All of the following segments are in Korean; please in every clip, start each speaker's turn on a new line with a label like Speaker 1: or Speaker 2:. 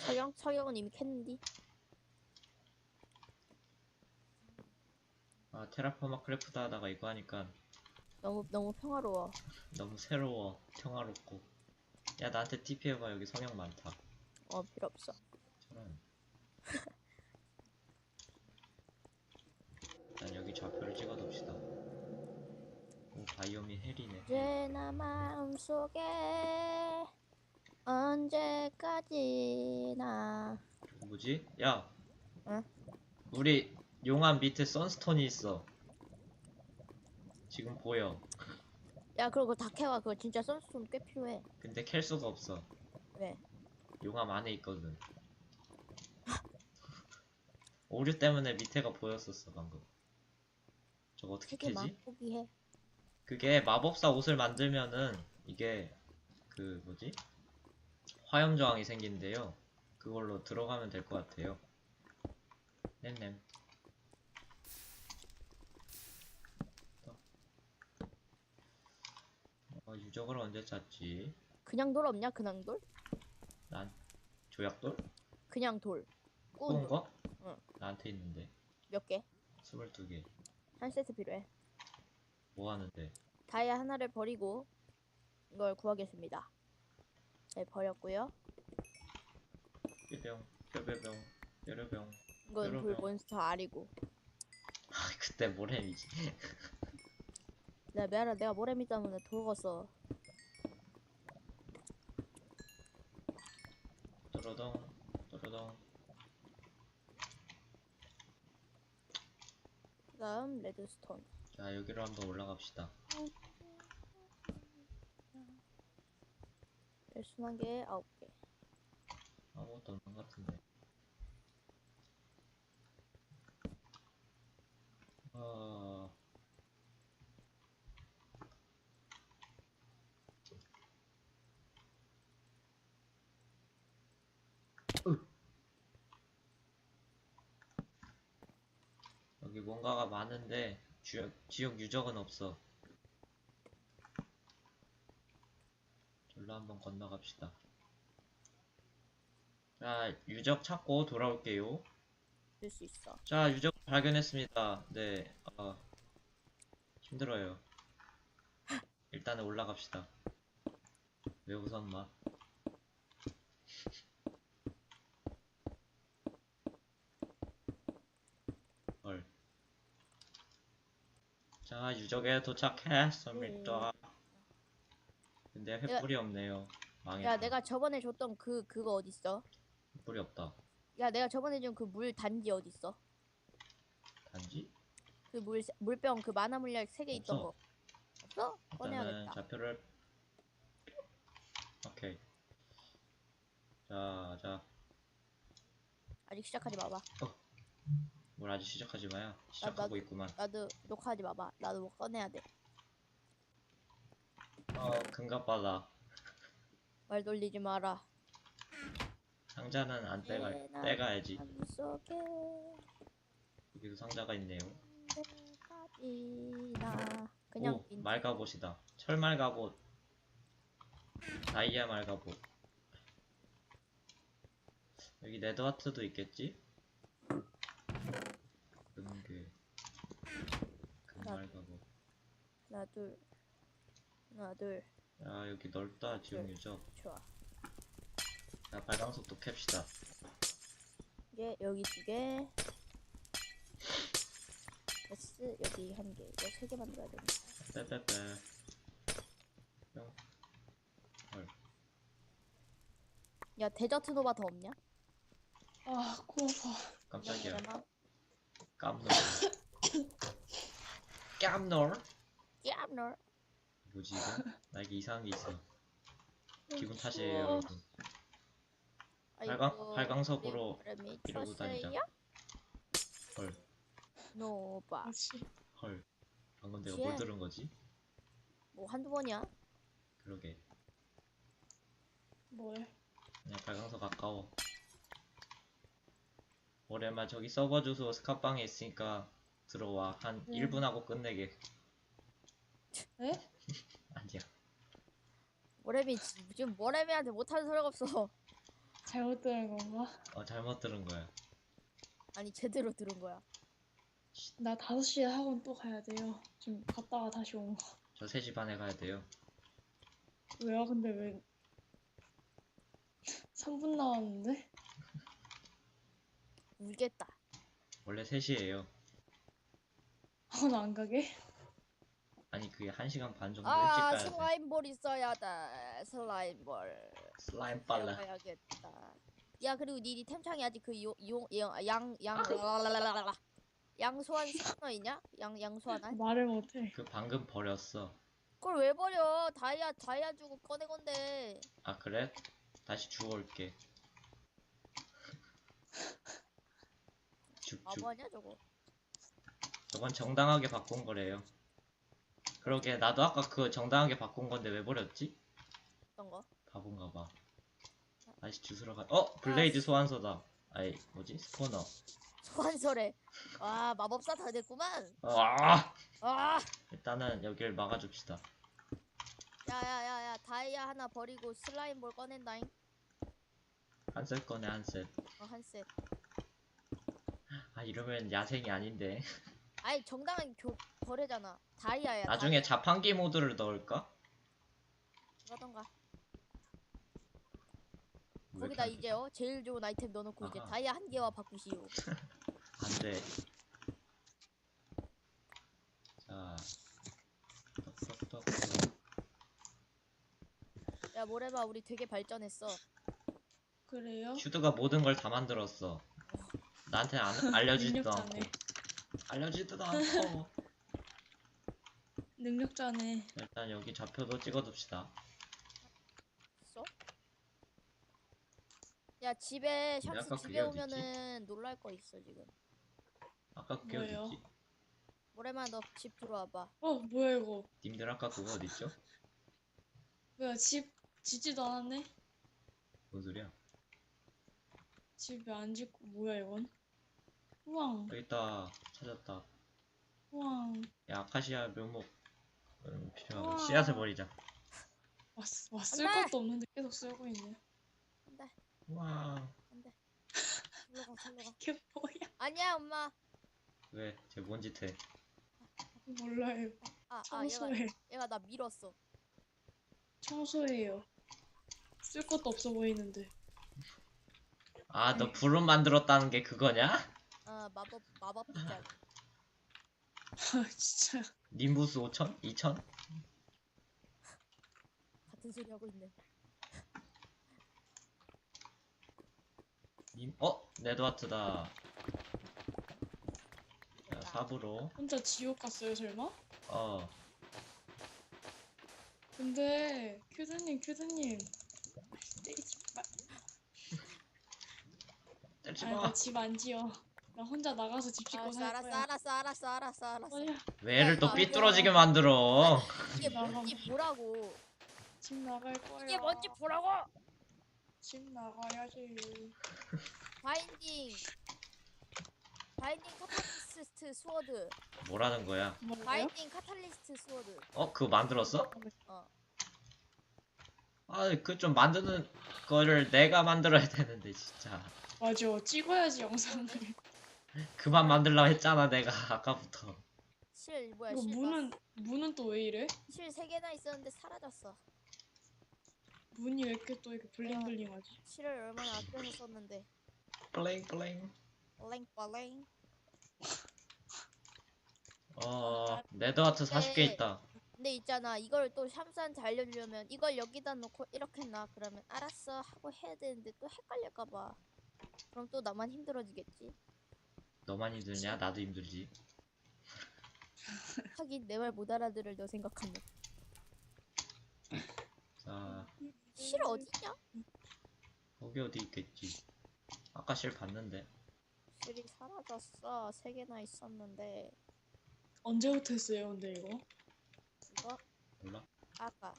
Speaker 1: 석영은 이미 캤는디.
Speaker 2: 아, 테라포마 크래프트 하다가 이거 하니까
Speaker 1: 너무 평화로워.
Speaker 2: 너무 새로워, 평화롭고. 야, 나한테 TP 해봐. 여기 성형 많다.
Speaker 1: 필요 없어.
Speaker 2: 저런. 난 여기 좌표를 찍어둡시다. 오, 바이옴이 헬이네.
Speaker 1: 언제나 마음속에 언제까지나.
Speaker 2: 뭐지? 야,
Speaker 1: 응?
Speaker 2: 우리 용암 밑에 선스톤이 있어. 지금 보여.
Speaker 1: 야, 그거 다 캐와. 그거 진짜 선수돈 꽤 필요해.
Speaker 2: 근데 캘 수가 없어.
Speaker 1: 왜?
Speaker 2: 용암 안에 있거든. 오류 때문에 밑에가 보였었어 방금. 저거 어떻게
Speaker 1: 세계
Speaker 2: 캐지?
Speaker 1: 맛보기 해.
Speaker 2: 그게 마법사 옷을 만들면은 이게 그 뭐지? 화염 저항이 생긴대요. 그걸로 들어가면 될 것 같아요. 냠냠. 유적을 언제 찾지?
Speaker 1: 그냥 돌 없냐? 그냥 돌?
Speaker 2: 난 조약돌?
Speaker 1: 그냥 돌.
Speaker 2: 구운
Speaker 1: 돌.
Speaker 2: 거?
Speaker 1: 응.
Speaker 2: 나한테 있는데.
Speaker 1: 몇 개?
Speaker 2: 22개.
Speaker 1: 한 세트 필요해.
Speaker 2: 뭐 하는데?
Speaker 1: 다이아 하나를 버리고 이걸 구하겠습니다. 네, 버렸고요.
Speaker 2: 뾰병, 뾰뾰병, 뾰려병.
Speaker 1: 이건 돌
Speaker 2: 뾰로병.
Speaker 1: 몬스터 알이고.
Speaker 2: 그때 모래미지.
Speaker 1: 미안해. 내가 모래미 때문에 돌었어.
Speaker 2: 또로동, 또로동.
Speaker 1: 그다음 레드스톤.
Speaker 2: 자, 여기로 한번 올라갑시다.
Speaker 1: 열순한 개 9개.
Speaker 2: 아무것도 없는 것 같은데. 어... 여기 뭔가가 많은데 지역 유적은 없어. 절로 한번 건너갑시다. 자, 유적 찾고 돌아올게요.
Speaker 1: 줄 수 있어.
Speaker 2: 자, 유적 발견했습니다. 네, 힘들어요. 일단은 올라갑시다. 왜 웃었나? 헐. 자, 유적에 도착했습니다. 근데 횃불이 없네요. 망했다.
Speaker 1: 야, 내가 저번에 줬던 그거 어딨어?
Speaker 2: 횃불이 없다.
Speaker 1: 야, 내가 저번에 준 그 물 단지 어딨어?
Speaker 2: 단지?
Speaker 1: 그 물병 그 만화 물약 3개 있던
Speaker 2: 없어.
Speaker 1: 거. 없어?
Speaker 2: 일단은
Speaker 1: 꺼내야겠다.
Speaker 2: 좌표를. 오케이. 자.
Speaker 1: 아직 시작하지 마봐.
Speaker 2: 뭘 아직 시작하지 마야. 시작하고 있구만.
Speaker 1: 나도 녹화하지 마봐. 나도 뭐 꺼내야 돼.
Speaker 2: 금갑바다.
Speaker 1: 말 돌리지 마라.
Speaker 2: 상자는 안 떼가야지.
Speaker 1: 속에
Speaker 2: 여기도 상자가 있네요.
Speaker 1: 그냥
Speaker 2: 오, 말가봇이다. 철 말가봇. 다이아 말가봇. 여기 네드와트도 있겠지? 금괴. 금말가봇.
Speaker 1: 하나 둘.
Speaker 2: 야, 여기 넓다. 지역 유적.
Speaker 1: 좋아.
Speaker 2: 자, 발광석도 캡시다.
Speaker 1: 이게 여기 2개. S 여기 1개. 이거 3개 만들어야 된다.
Speaker 2: 빼빼빼. 뿅. 헐.
Speaker 1: 야, 데저트 노바 더 없냐?
Speaker 3: 아, 코 아파.
Speaker 2: 깜짝이야.
Speaker 1: 그러나?
Speaker 2: 깜놀. 깜놀?
Speaker 1: 야, 널.
Speaker 2: 뭐지 이거? 나에게 이상한 게 있어. 기분 탓이에요,
Speaker 3: 추워.
Speaker 2: 여러분. 발광석으로 이러고 다니자. 헐.
Speaker 1: 노바.
Speaker 3: 아씨.
Speaker 2: 헐. 방금 내가 뭘 들은 거지?
Speaker 1: 뭐 한두 번이야?
Speaker 2: 그러게.
Speaker 3: 뭘?
Speaker 2: 그냥 발광석 아까워. 오랜만 저기 서버 주소 스카방에 있으니까 들어와. 한 1분 하고 끝내게.
Speaker 3: 에?
Speaker 2: 아니야.
Speaker 1: 모래미 지금 모래미한테 못하는 소리가 없어.
Speaker 3: 잘못 들은 건가?
Speaker 2: 잘못 들은 거야.
Speaker 1: 아니 제대로 들은 거야.
Speaker 3: 나 5시에 학원 또 가야 돼요. 지금 갔다가 다시 온 거.
Speaker 2: 저 3시 반에 가야 돼요.
Speaker 3: 왜요? 근데 왜 3분 남았는데?
Speaker 1: 울겠다.
Speaker 2: 원래 3시에요.
Speaker 3: 학원 안 가게?
Speaker 2: 아니 그게 1시간 반 정도 일찍
Speaker 1: 아
Speaker 2: 가야 돼.
Speaker 1: 슬라임볼 있어야 돼. 슬라임볼.
Speaker 2: 슬라임 빨라.
Speaker 1: 배워야겠다. 야 그리고 니 템창이 아직 그 양양 양소환 스너 있냐? 양소환?
Speaker 3: 말을 못해.
Speaker 2: 그 방금 버렸어.
Speaker 1: 그걸 왜 버려? 다이아 주고 꺼내 건데.
Speaker 2: 아 그래? 다시 주워올게. 죽죽.
Speaker 1: 바보 아니야 저거?
Speaker 2: 저건 정당하게 바꾼 거래요. 그러게 나도 아까 그거 정당하게 바꾼 건데 왜 버렸지?
Speaker 1: 어떤 거?
Speaker 2: 바본가 봐. 다시 주스러 가. 블레이드 소환서다. 아이 뭐지? 스포너.
Speaker 1: 소환설에. 와 마법사 다 됐구만.
Speaker 2: 아!
Speaker 1: 아.
Speaker 2: 일단은 여길 막아줍시다.
Speaker 1: 야야야야 다이아 하나 버리고 슬라임볼 꺼낸다잉.
Speaker 2: 한 셋 꺼내 한 셋.
Speaker 1: 한 셋.
Speaker 2: 아 이러면 야생이 아닌데.
Speaker 1: 아니 정당한 거래잖아. 다이아야.
Speaker 2: 나중에 자판기 모드를 넣을까?
Speaker 1: 그러던가.
Speaker 2: 왜
Speaker 1: 거기다
Speaker 2: 이렇게
Speaker 1: 이제 제일 좋은 아이템 넣어놓고 이제
Speaker 2: 아하.
Speaker 1: 다이아 한 개와 바꾸시오.
Speaker 2: 안 돼. 자. 똑똑똑.
Speaker 1: 야 모래봐 우리 되게 발전했어.
Speaker 3: 그래요?
Speaker 2: 슈드가 모든 걸 다 만들었어. 나한테 알려주지도 않고.
Speaker 3: 능력자네.
Speaker 2: 알려주지도 않고.
Speaker 3: 능력자네.
Speaker 2: 일단 여기 좌표도 찍어둡시다.
Speaker 1: 써? 야 집에
Speaker 2: 근데
Speaker 1: 샴스
Speaker 2: 아까
Speaker 1: 집에
Speaker 2: 그게 어딨지?
Speaker 1: 오면은 놀랄 거 있어 지금.
Speaker 2: 아까 그게
Speaker 3: 뭐예요?
Speaker 2: 어딨지?
Speaker 1: 모래마 너 집 들어와봐.
Speaker 3: 뭐야 이거?
Speaker 2: 님들 아까 그거 어딨죠?
Speaker 3: 뭐야 집 짓지도 않았네?
Speaker 2: 뭔 소리야?
Speaker 3: 집 왜 안 짓고 뭐야 이건? 우왕
Speaker 2: 여기 있다. 찾았다.
Speaker 3: 우왕
Speaker 2: 야 아카시아 묘목 필요하고
Speaker 3: 우와.
Speaker 2: 씨앗을 버리자.
Speaker 3: 쓸
Speaker 1: 안 돼!
Speaker 3: 것도 없는데 계속 쓰고 있네.
Speaker 1: 안돼
Speaker 2: 와.
Speaker 1: 안돼. 살려가.
Speaker 3: 이게 뭐야?
Speaker 1: 아니야 엄마.
Speaker 2: 왜? 쟤 뭔 짓 해?
Speaker 3: 몰라요.
Speaker 1: 아
Speaker 3: 청소해.
Speaker 1: 얘가 나 밀었어.
Speaker 3: 청소해요. 쓸 것도 없어 보이는데.
Speaker 2: 아 너 불은 만들었다는 게 그거냐?
Speaker 1: 마법 빗자루.
Speaker 3: 아 진짜.
Speaker 2: 님부스 5천? 2천?
Speaker 1: 같은 소리 하고 있네.
Speaker 2: 네드와트다. 자, 4부로.
Speaker 3: 혼자 지옥 갔어요 설마? 근데 큐드님 때리지 마.
Speaker 2: 때리지
Speaker 3: 아니
Speaker 2: 마.
Speaker 3: 나집 안 지어. 나 혼자 나가서 집 짓고 살 거야.
Speaker 1: 알았어.
Speaker 3: 뭐야?
Speaker 2: 왜 애를 또
Speaker 1: 야,
Speaker 2: 삐뚤어지게 만들어?
Speaker 1: 이게 뭔지 보라고.
Speaker 3: 집 나갈 거야.
Speaker 1: 이게 뭔지 보라고.
Speaker 3: 집 나가야지.
Speaker 1: 바인딩 카탈리스트 스워드.
Speaker 2: 뭐라는 거야?
Speaker 3: 뭐예요?
Speaker 1: 바인딩 카탈리스트 스워드.
Speaker 2: 그거 만들었어?
Speaker 1: 어.
Speaker 2: 그 좀 만드는 거를 내가 만들어야 되는데 진짜.
Speaker 3: 맞아. 찍어야지 영상을.
Speaker 2: 그만 만들라고 했잖아 내가 아까부터.
Speaker 1: 실 뭐야
Speaker 3: 이거
Speaker 1: 실
Speaker 3: 문은 또 왜 이래?
Speaker 1: 실 3개나 있었는데 사라졌어.
Speaker 3: 문이 왜 이렇게 또 이렇게 블링블링하지?
Speaker 1: 실을 얼마나 아껴서 썼는데.
Speaker 2: 블링블링.
Speaker 1: 블랭.
Speaker 2: 네드와트 40개
Speaker 1: 네.
Speaker 2: 있다.
Speaker 1: 근데 있잖아 이걸 또 샴스한테 알려주려면 이걸 여기다 놓고 이렇게 놔 그러면 알았어 하고 해야 되는데 또 헷갈릴까봐. 그럼 또 나만 힘들어지겠지.
Speaker 2: 너만 힘들냐? 나도 힘들지.
Speaker 1: 하긴 내 말 못 알아들을 너 생각하면.
Speaker 2: 자,
Speaker 1: 실 어디냐?
Speaker 2: 거기 어디 있겠지. 아까 실 봤는데.
Speaker 1: 실이 사라졌어. 3개나 있었는데
Speaker 3: 언제부터 했어요 근데 이거?
Speaker 1: 이거
Speaker 2: 몰라?
Speaker 1: 아까.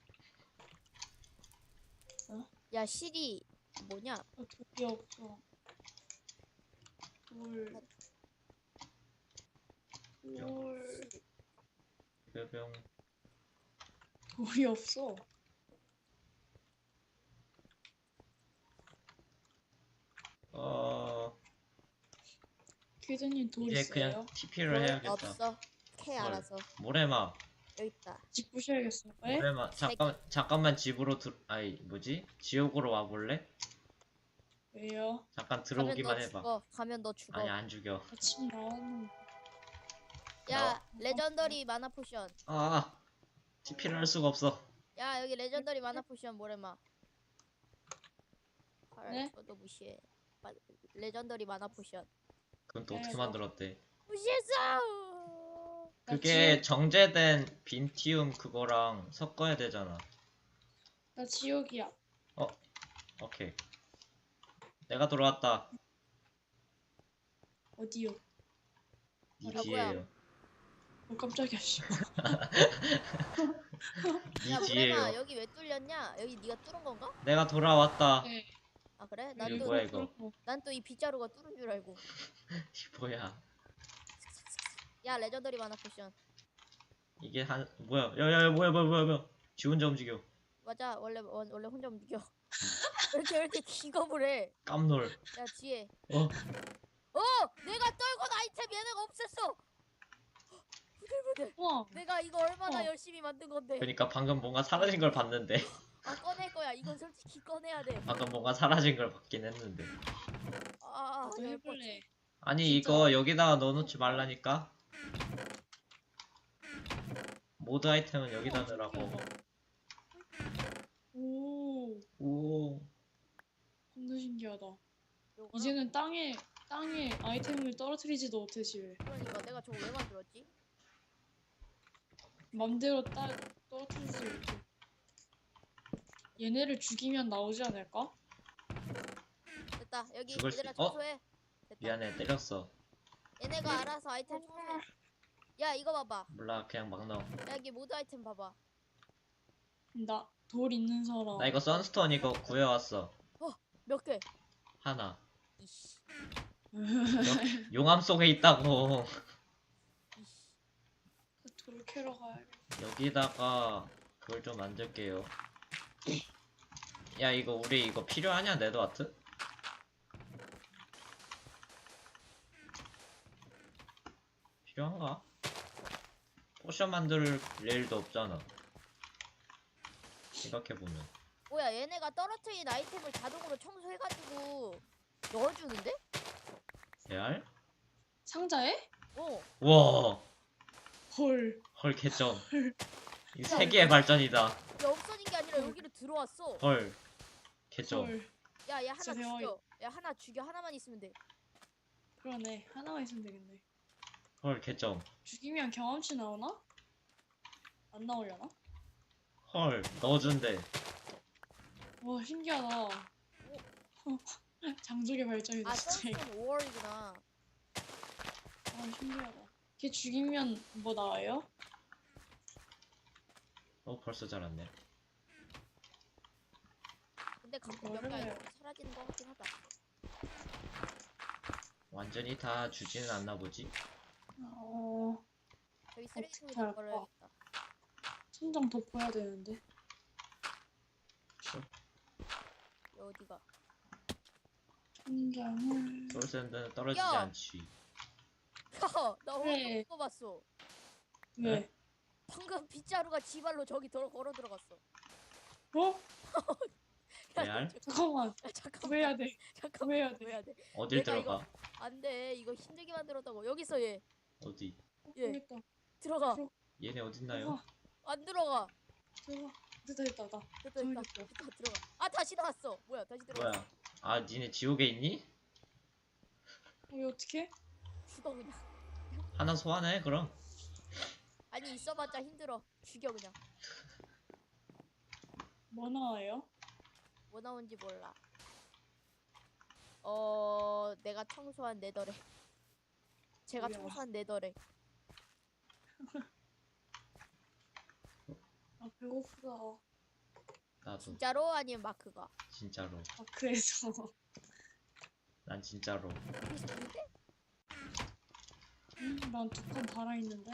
Speaker 3: 어?
Speaker 1: 야 실이 뭐냐?
Speaker 3: 돌이 없어. 돌.
Speaker 2: 뼈병.
Speaker 3: 돌이 없어. 퀴즈님 돌
Speaker 2: 이제
Speaker 3: 있어요?
Speaker 2: 그냥 TP를 해야겠다.
Speaker 1: 없어. 캐
Speaker 2: 헐.
Speaker 1: 알아서.
Speaker 2: 모래마.
Speaker 1: 여기 있다.
Speaker 3: 집 부셔야겠어. 왜?
Speaker 2: 모래마.
Speaker 1: 책.
Speaker 2: 잠깐만 집으로 아이 뭐지? 지옥으로 와볼래?
Speaker 3: 왜요?
Speaker 2: 잠깐
Speaker 1: 가면
Speaker 2: 들어오기만
Speaker 1: 너
Speaker 2: 해봐.
Speaker 1: 죽어. 가면 너 죽어.
Speaker 2: 아니 안 죽여.
Speaker 3: 아침 나왔는데.
Speaker 1: 야 레전더리 마나 포션.
Speaker 2: 아 TP를 할 수가 없어.
Speaker 1: 야 여기 레전더리 마나 포션 모래마.
Speaker 3: 네?
Speaker 1: 저도 무시해. 레전더리 마나 포션.
Speaker 2: 그건 또
Speaker 3: 네,
Speaker 2: 어떻게
Speaker 3: 뭐.
Speaker 2: 만들었대?
Speaker 1: 무시했어.
Speaker 2: 그게 정제된 빈티움 그거랑 섞어야 되잖아.
Speaker 3: 나 지옥이야.
Speaker 2: 오케이. 내가 돌아왔다.
Speaker 3: 어디요?
Speaker 2: 니
Speaker 1: 아,
Speaker 2: 뒤에요.
Speaker 3: 깜짝이야. 씨.
Speaker 2: 니
Speaker 1: 야 모래마
Speaker 2: 뒤에요.
Speaker 1: 여기 왜 뚫렸냐? 여기 네가 뚫은 건가?
Speaker 2: 내가 돌아왔다.
Speaker 3: 네.
Speaker 1: 아 그래?
Speaker 2: 이거 뭐야, 이거?
Speaker 1: 난 또 이 빗자루가 뚫은 줄 알고.
Speaker 2: 이 뭐야?
Speaker 1: 야 레전더리 마나 포션.
Speaker 2: 이게 한 뭐야? 야야야 뭐야? 지 혼자 움직여.
Speaker 1: 맞아 원래 혼자 움직여. 왜 이렇게 기겁을 해?
Speaker 2: 깜놀.
Speaker 1: 야 뒤에.
Speaker 2: 어?
Speaker 1: 내가 떨군 아이템 얘네가 없앴어. 부들부들.
Speaker 3: 우와.
Speaker 1: 내가 이거 얼마나
Speaker 3: 어.
Speaker 1: 열심히 만든 건데.
Speaker 2: 그러니까 방금 뭔가 사라진 걸 봤는데.
Speaker 1: 아 꺼낼 거야. 이건 솔직히 꺼내야 돼.
Speaker 2: 방금 뭔가 사라진 걸 봤긴 했는데.
Speaker 3: 나도
Speaker 1: 열받-
Speaker 3: 해볼래.
Speaker 2: 아니
Speaker 3: 진짜?
Speaker 2: 이거 여기다가 넣어놓지 말라니까. 모드 아이템은 여기다 넣으라고.
Speaker 3: 오.
Speaker 2: 오.
Speaker 3: 겁나 신기하다.
Speaker 1: 요거랑-
Speaker 3: 이제는 땅에 아이템을 떨어뜨리지도 못해 집에.
Speaker 1: 그러니까 내가 저거 왜 만들었지?
Speaker 3: 맘대로 떨어뜨리지 못해. 얘네를 죽이면 나오지 않을까?
Speaker 1: 됐다. 여기
Speaker 2: 죽을 수
Speaker 1: 얘들아
Speaker 2: 있- 어?
Speaker 1: 청소해. 됐다.
Speaker 2: 미안해 때렸어.
Speaker 1: 얘네가 알아서 아이템 청소해. 야 이거 봐봐.
Speaker 2: 몰라 그냥 막 넣어.
Speaker 1: 야 여기 모드 아이템 봐봐.
Speaker 3: 나 돌 있는 사람.
Speaker 2: 나 이거 선스톤 이거 구해왔어.
Speaker 1: 몇 개?
Speaker 2: 하나.
Speaker 1: 이씨.
Speaker 2: 용암 속에 있다고.
Speaker 1: 이씨.
Speaker 3: 돌 캐러 가야겠다.
Speaker 2: 여기다가 그걸 좀 만들게요. 야 이거 우리 이거 필요하냐 네드와트? 필요한가? 포션 만들 일도 없잖아. 생각해보면.
Speaker 1: 뭐야 얘네가 떨어뜨린 아이템을 자동으로 청소해가지고 넣어주는데?
Speaker 2: 레알?
Speaker 3: 상자에?
Speaker 1: 어.
Speaker 2: 와,
Speaker 3: 헐.
Speaker 2: 헐 개점. 이 세계의 발전이다.
Speaker 1: 야 없어진 게 아니라 여기로 들어왔어.
Speaker 2: 헐, 개점.
Speaker 3: 헐.
Speaker 1: 야 얘 하나
Speaker 3: 진짜 대박이다.
Speaker 1: 죽여. 야 하나 죽여. 하나만 있으면 돼.
Speaker 3: 그러네. 하나만 있으면 되겠네.
Speaker 2: 헐, 개점.
Speaker 3: 죽이면 경험치 나오나? 안 나오려나?
Speaker 2: 헐, 넣어준대.
Speaker 3: 와 신기하다. 장족의 발전이다
Speaker 1: 아
Speaker 3: 진짜.
Speaker 1: 썬스톤 5월이구나.
Speaker 3: 아 신기하다. 걔 죽이면 뭐 나와요?
Speaker 2: 벌써 자랐네.
Speaker 1: 근데 가끔 몇
Speaker 3: 이거를-
Speaker 1: 개 아이템 사라지는 거 같긴 하다.
Speaker 2: 완전히 다 주지는 않나 보지?
Speaker 1: 저기
Speaker 3: 어떻게
Speaker 1: 쓰레기통에다
Speaker 3: 할까?
Speaker 1: 버려야겠다.
Speaker 3: 천장 덮어야 되는데.
Speaker 1: 얘 어디가?
Speaker 3: 천장을.
Speaker 2: 솔샌드는 떨어지지
Speaker 1: 야!
Speaker 2: 않지.
Speaker 1: 나
Speaker 3: 왜?
Speaker 1: 어디서 봤어?
Speaker 3: 왜?
Speaker 2: 네?
Speaker 1: 방금 빗자루가 지발로 저기 걸어 들어갔어.
Speaker 3: 어?
Speaker 1: 야,
Speaker 2: 레알?
Speaker 3: 잠깐만.
Speaker 1: 야, 잠깐만.
Speaker 3: 구해야 돼.
Speaker 1: 잠깐만.
Speaker 3: 구해야 돼.
Speaker 1: 구해야 돼.
Speaker 2: 어딜
Speaker 1: 내가
Speaker 2: 들어가?
Speaker 1: 안돼. 이거 힘들게 만들었다고. 여기서 얘
Speaker 2: 어디?
Speaker 1: 예.
Speaker 3: 모르겠다.
Speaker 1: 들어가.
Speaker 2: 얘네 어딨나요?
Speaker 1: 안 들어가.
Speaker 3: 들어가. 됐다.
Speaker 1: 됐다.
Speaker 3: 저기
Speaker 1: 들어가. 아 다시 나왔어. 뭐야? 다시 들어가.
Speaker 2: 뭐야? 아, 니네 지옥에 있니?
Speaker 3: 이거 어떻게?
Speaker 1: 죽어 그냥.
Speaker 2: 하나 소환해, 그럼.
Speaker 1: 아니 있어봤자 힘들어. 죽여 그냥.
Speaker 3: 뭐 나와요?
Speaker 1: 뭐 나온지 몰라. 내가 청소한 네더래. 제가
Speaker 3: 뭐야?
Speaker 1: 청소한 네더래.
Speaker 3: 아 배고프다.
Speaker 2: 나도.
Speaker 1: 진짜로 아니면 마크가?
Speaker 2: 진짜로.
Speaker 3: 아 그래서.
Speaker 2: 난 진짜로.
Speaker 1: 그래서 근데
Speaker 3: 난 두 칸 달아 있는데.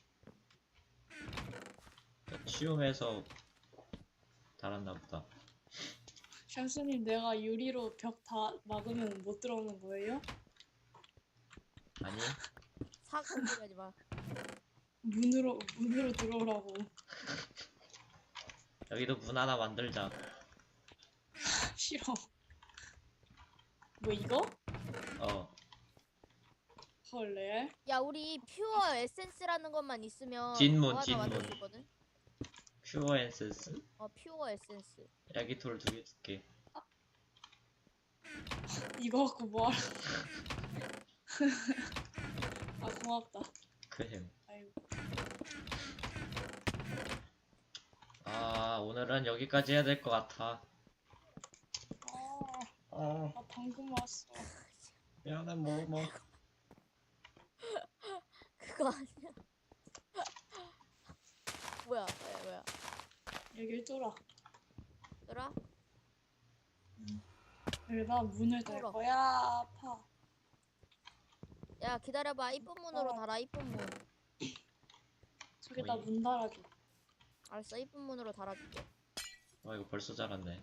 Speaker 2: 치움에서 달았나 보다.
Speaker 3: 샹스님 내가 유리로 벽 다 막으면 못 들어오는 거예요?
Speaker 2: 아니
Speaker 1: 사악한 소리 하지 마.
Speaker 3: 문으로 들어오라고.
Speaker 2: 여기도 문 하나 만들자.
Speaker 3: 싫어. 뭐 이거?
Speaker 2: 어
Speaker 3: 헐 레알?
Speaker 1: 야 우리 퓨어 에센스라는 것만 있으면
Speaker 2: 뒷문,
Speaker 1: 뭐 하나
Speaker 2: 뒷문.
Speaker 1: 만들 수 있거든?
Speaker 2: 퓨어 엔센스.
Speaker 1: 퓨어 에센스.
Speaker 2: 여기 돌 2개 줄게.
Speaker 3: 이거 갖고 뭐하라. 아 고맙다.
Speaker 2: 그햄.
Speaker 3: 아이고.
Speaker 2: 아 오늘은 여기까지 해야 될 것 같아.
Speaker 3: 나 방금 왔어.
Speaker 2: 미안해 뭐.
Speaker 1: 그거 아니야. 뭐야.
Speaker 3: 여길 뚫어.
Speaker 1: 얘들아?
Speaker 3: 여기다 문을 달
Speaker 1: 뚫어.
Speaker 3: 거야. 아파.
Speaker 1: 야 기다려봐. 이쁜 문으로
Speaker 3: 어.
Speaker 1: 달아. 이쁜 문.
Speaker 3: 저기다
Speaker 2: 어이.
Speaker 3: 문 달아줘.
Speaker 1: 알았어. 이쁜 문으로 달아줄게.
Speaker 2: 와 이거 벌써 자랐네.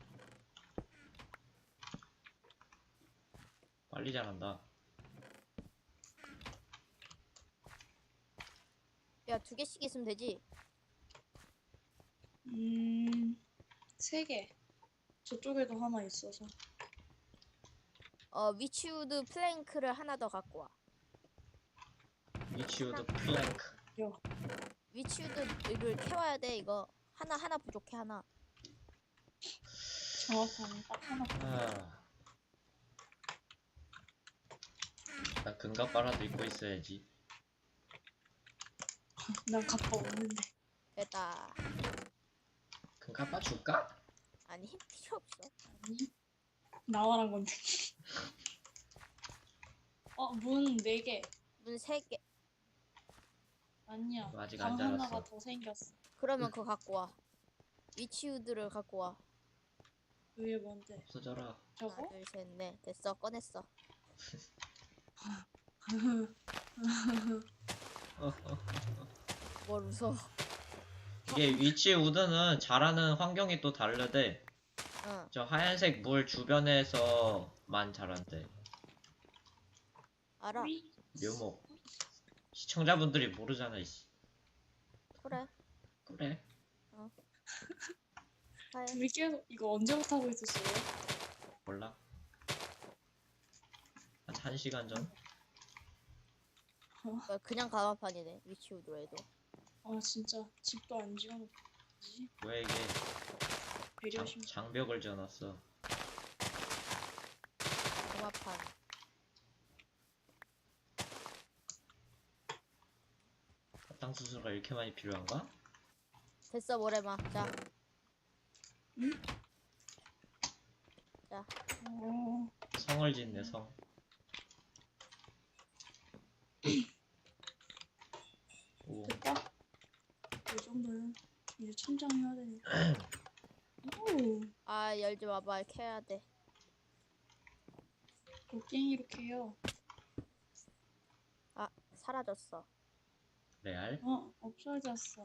Speaker 2: 빨리 자란다.
Speaker 1: 야 2개씩 있으면 되지?
Speaker 3: 3개. 저쪽에도 하나 있어서.
Speaker 1: 위치우드 플랭크를 하나 더 갖고 와.
Speaker 2: 위치우드 플랭크.
Speaker 1: 위치우드를 캐와야 돼 이거. 하나 부족해 하나.
Speaker 3: 정확하네. 딱 하나.
Speaker 2: 아. 나 금갑바라도 입고 있어야지.
Speaker 3: 난 갑바 없는데.
Speaker 1: 됐다.
Speaker 2: 금갑바 줄까?
Speaker 1: 아니 필요 없어.
Speaker 3: 아니. 나와란 건데. 문 4개.
Speaker 1: 문 3개.
Speaker 3: 아니야.
Speaker 2: 아직
Speaker 3: 방
Speaker 2: 안 자랐어.
Speaker 3: 하나가 더 생겼어.
Speaker 1: 그러면 그거 갖고 와. 위치우드를 갖고 와.
Speaker 3: 그게 뭔데?
Speaker 2: 없어져라.
Speaker 3: 저거?
Speaker 1: 하나 둘 셋 넷. 됐어 꺼냈어. 뭘 웃어.
Speaker 2: 이게 위치우드는 자라는 환경이 또 다르대.
Speaker 1: 응.
Speaker 2: 저 하얀색 물 주변에서만 자란대.
Speaker 1: 알아.
Speaker 2: 묘목. 시청자분들이 모르잖아 이씨.
Speaker 1: 그래.
Speaker 2: 그래.
Speaker 1: 하얀.
Speaker 3: 우리 계속 이거 언제부터 하고 있었어요?
Speaker 2: 몰라. 한 1시간 전?
Speaker 1: 그냥 가마판이네. 위치우드로 해도.
Speaker 3: 아 진짜 집도 안 지어놓지.
Speaker 2: 왜 이게
Speaker 3: 배려심.
Speaker 2: 장벽을 지어놨어.
Speaker 1: 가마판.
Speaker 2: 땅 수수가 이렇게 많이 필요한가?
Speaker 1: 됐어 모래마. 자.
Speaker 3: 응?
Speaker 1: 자.
Speaker 2: 성을 짓네 성. 오.
Speaker 3: 됐다. 이 정도는 이제 천장 해야 되니까. 오,
Speaker 1: 아 열지 마봐. 캐야 돼.
Speaker 3: 곡괭이 이렇게 해요.
Speaker 1: 아 사라졌어.
Speaker 2: 레알?
Speaker 3: 없어졌어.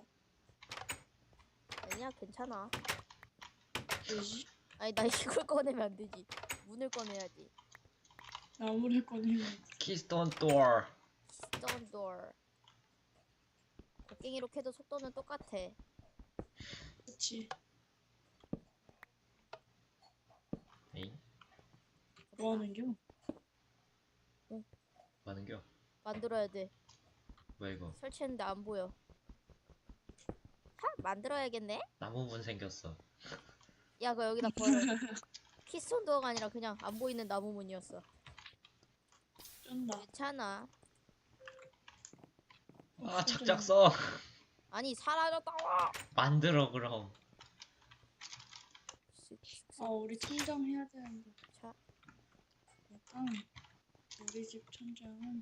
Speaker 1: 아니야 괜찮아.
Speaker 3: 왜지?
Speaker 1: 아니 나 이걸 꺼내면 안 되지. 문을 꺼내야지.
Speaker 3: 나무를 꺼내면.
Speaker 2: 키스톤 도어.
Speaker 1: 스톤 도어. 곡괭이로 캐도 속도는 똑같아.
Speaker 3: 그치.
Speaker 2: 에잉?
Speaker 3: 뭐하는겨?
Speaker 2: 뭐하는겨?
Speaker 1: 만들어야 돼.
Speaker 2: 뭐야 이거?
Speaker 1: 설치했는데 안 보여. 만들어야겠네?
Speaker 2: 나무문 생겼어.
Speaker 1: 야 그거 여기다 버려. 키스톤 도어가 아니라 그냥 안 보이는 나무 문이었어.
Speaker 3: 쩐다.
Speaker 1: 괜찮아.
Speaker 2: 아 작작 써.
Speaker 1: 아니 사라졌다고.
Speaker 2: 만들어 그럼.
Speaker 3: 우리 천장 해야 되는데.
Speaker 1: 자
Speaker 3: 약간 우리 집 천장은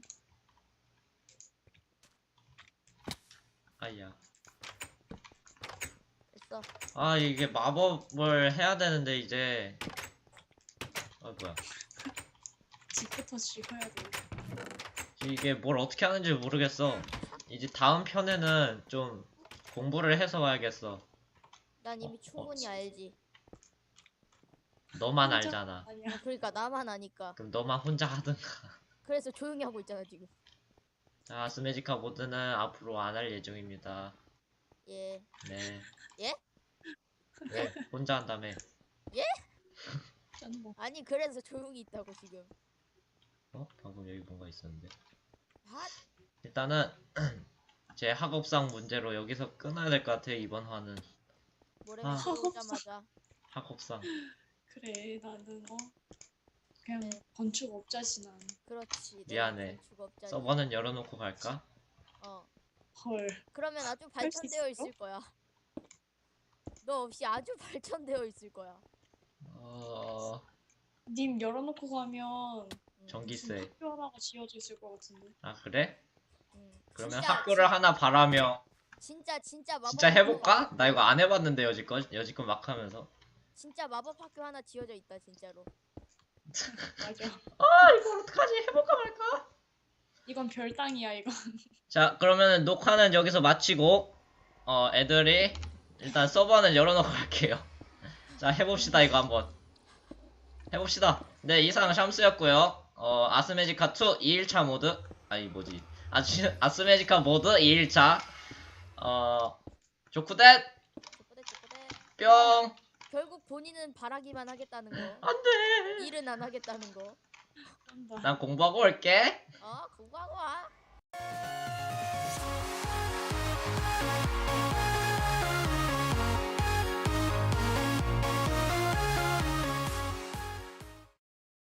Speaker 2: 아야.
Speaker 1: 됐어.
Speaker 2: 아 이게 마법을 해야 되는데 이제. 뭐야.
Speaker 3: 집부터 지어야 돼.
Speaker 2: 이게 뭘 어떻게 하는지 모르겠어. 이제 다음 편에는 좀 공부를 해서 와야겠어.
Speaker 1: 난 이미 충분히 알지.
Speaker 2: 너만
Speaker 3: 혼자?
Speaker 2: 알잖아.
Speaker 3: 아니야.
Speaker 1: 그러니까 나만 아니까.
Speaker 2: 그럼 너만 혼자 하든가.
Speaker 1: 그래서 조용히 하고 있잖아 지금.
Speaker 2: 자, 스매지카 모드는 앞으로 안 할 예정입니다.
Speaker 1: 예.
Speaker 2: 네.
Speaker 1: 예?
Speaker 2: 왜? 혼자 한다며.
Speaker 3: 짜는 거.
Speaker 1: 아니 그래서 조용히 있다고 지금.
Speaker 2: 어? 방금 여기 뭔가 있었는데.
Speaker 1: 아,
Speaker 2: 일단은 제 학업상 문제로 여기서 끊어야 될 것 같아요, 이번 화는.
Speaker 1: 모래맨
Speaker 2: 아.
Speaker 1: 들어오자마자.
Speaker 2: 학업상.
Speaker 3: 그래 나는 그냥
Speaker 1: 네.
Speaker 3: 건축업자지 난.
Speaker 1: 그렇지.
Speaker 2: 미안해.
Speaker 1: 건축업자니.
Speaker 2: 서버는 열어놓고 갈까?
Speaker 3: 헐.
Speaker 1: 그러면 아주
Speaker 3: 할수
Speaker 1: 발전되어
Speaker 3: 있어?
Speaker 1: 있을 거야. 너 없이 아주 발전되어 있을 거야.
Speaker 3: 님 열어놓고 가면
Speaker 2: 전기세.
Speaker 3: 학교 하나가 지어져 있을 것 같은데.
Speaker 2: 아, 그래? 그러면
Speaker 1: 진짜,
Speaker 2: 학교를 하나 바라며.
Speaker 1: 진짜 마법
Speaker 2: 진짜
Speaker 1: 학교,
Speaker 2: 해볼까? 나 이거 안 해봤는데, 여지껏 막 하면서.
Speaker 1: 진짜 마법 학교 하나 지어져 있다 진짜로.
Speaker 3: 맞아.
Speaker 2: 아, 이걸 어떡하지? 해볼까 말까?
Speaker 3: 이건 별땅이야 이거.
Speaker 2: 자, 그러면 녹화는 여기서 마치고, 애들이, 일단 서버는 열어놓고 갈게요. 자, 해봅시다, 이거 한번. 해봅시다. 네, 이상 샴스였고요. 아스메지카2 2일차 모드. 아니, 뭐지. 아스메지카 모드 2일차. 조쿠댓!
Speaker 1: 쪼꼬대.
Speaker 2: 뿅!
Speaker 1: 결국 본인은 바라기만 하겠다는 거.
Speaker 2: 안 돼!
Speaker 1: 일은 안 하겠다는 거.
Speaker 3: 한다.
Speaker 2: 난 공부하고 올게.
Speaker 1: 공부하고 와.